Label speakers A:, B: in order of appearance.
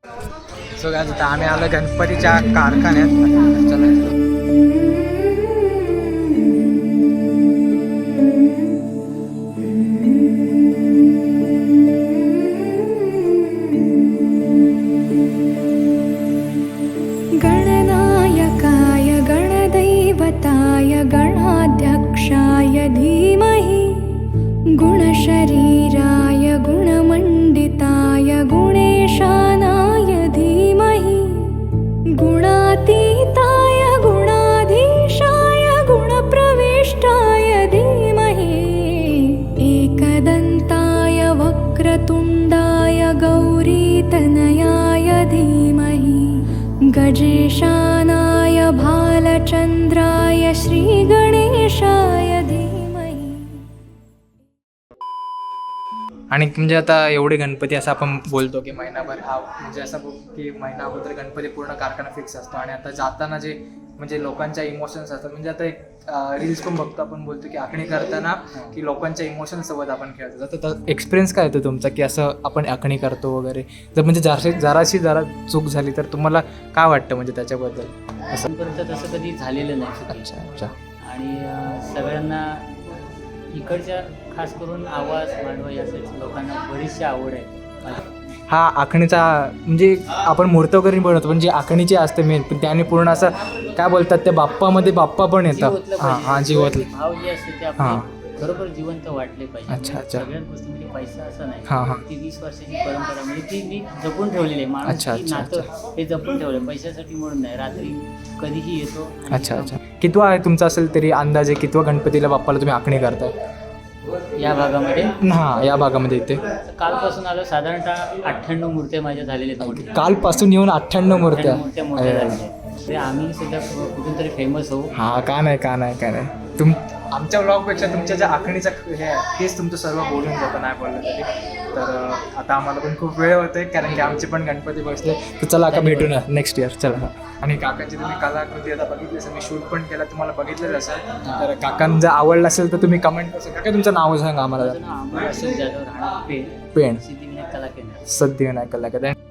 A: So guys आता आम्ही आलो गणपतीच्या कारखान्यात. चला
B: गणनायकाय गणदैवताय गणाध्यक्षाय धीमहि गुणशरीराय गुणमण्डिताय गुणेशानाय धीमहि गुणातीताय गुणाधीशाय गुणप्रविष्टाय धीमहि एकदन्ताय वक्रतुण्डाय गौरीतनयाय धीमहि गजेशानाय भालचन्द्राय श्रीगणेशाय धीमहि.
A: आणि म्हणजे आता एवढे गणपती असं आपण बोलतो की महिनाभर हा म्हणजे असं की महिना अगोदर गणपती पूर्ण कारखाना फिक्स असतो. आणि आता जाताना जे म्हणजे लोकांच्या इमोशन्स असतात, म्हणजे आता एक रील्स पण बघतो आपण, बोलतो की आखणी करताना की लोकांच्या इमोशन्ससोबत आपण खेळतो. तर एक्सपिरियन्स काय येतो तुमचा की असं आपण आखणी करतो वगैरे, जर म्हणजे जरा चूक झाली तर तुम्हाला काय वाटतं म्हणजे त्याच्याबद्दल?
C: अजूनपर्यंत तसं कधी झालेलं नाही.
A: अच्छा.
C: आणि सगळ्यांना इकडच्या खास करून आवाज मांडवा यासाठी लोकांना बरीचशी आवड आहे.
A: हा आखणीचा म्हणजे आपण मूर्त वगैरे बनवतो, पण जी आखणीची असते मेन, पण त्याने पूर्ण असं काय बोलतात त्या बाप्पामध्ये बाप्पा पण येतात. हां जीवतलं
C: भाव जे असते ते आपले बरोबर जिवंत वाटले पाहिजे.
A: अच्छा.
C: सगळ्याच गोष्टीमध्ये पैसा असं नाही.
A: हां.
C: ती 20 वर्षाची परंपरा म्हणजे ती मी जपून ठेवलेली आहे. माणूस ती नातं हे जपून ठेवलं पैशासाठी म्हणून नाही. रात्री कधीही येतो.
A: अच्छा. कितवा आहे तुमचा असेल तरी अंदाजे कितवा गणपतीला बाप्पाला तुम्ही आखणी करताय
C: या भागामध्ये?
A: हां या भागामध्ये इथे
C: कालपासून आलो. साधारणतः 98 मूर्त्या माझ्या झालेल्या आहेत. मोठ्या
A: कालपासून येऊन 98 मूर्त्या
C: मोठ्या झालेल्या आहेत. आम्ही सुद्धा कुठून तरी फेमस होऊ.
A: हा का नाही आमच्या ब्लॉगपेक्षा तुमच्या ज्या आखणीचा हे आहे तेच तुमचं सर्व बोलून जातं, नाही बोललं तरी. तर आता आम्हाला पण खूप वेळ होतोय कारण की आमचे पण गणपती बसले. तर चला आता भेटू ना नेक्स्ट इयर. चला. आणि काकांची तुम्ही कलाकृती आता बघितली असेल, मी शूट पण केला, तुम्हाला बघितलंच असेल. तर काकांना जर आवडलं असेल तर तुम्ही कमेंट करा. काका तुमचं नाव सांगा आम्हाला.
C: माझं नाव अमोल अशोक जाधव, राहणार पेण,
A: पेण
C: सिद्धिविनायक कला केंद्र.
A: सिद्धिविनायक कला केंद्र.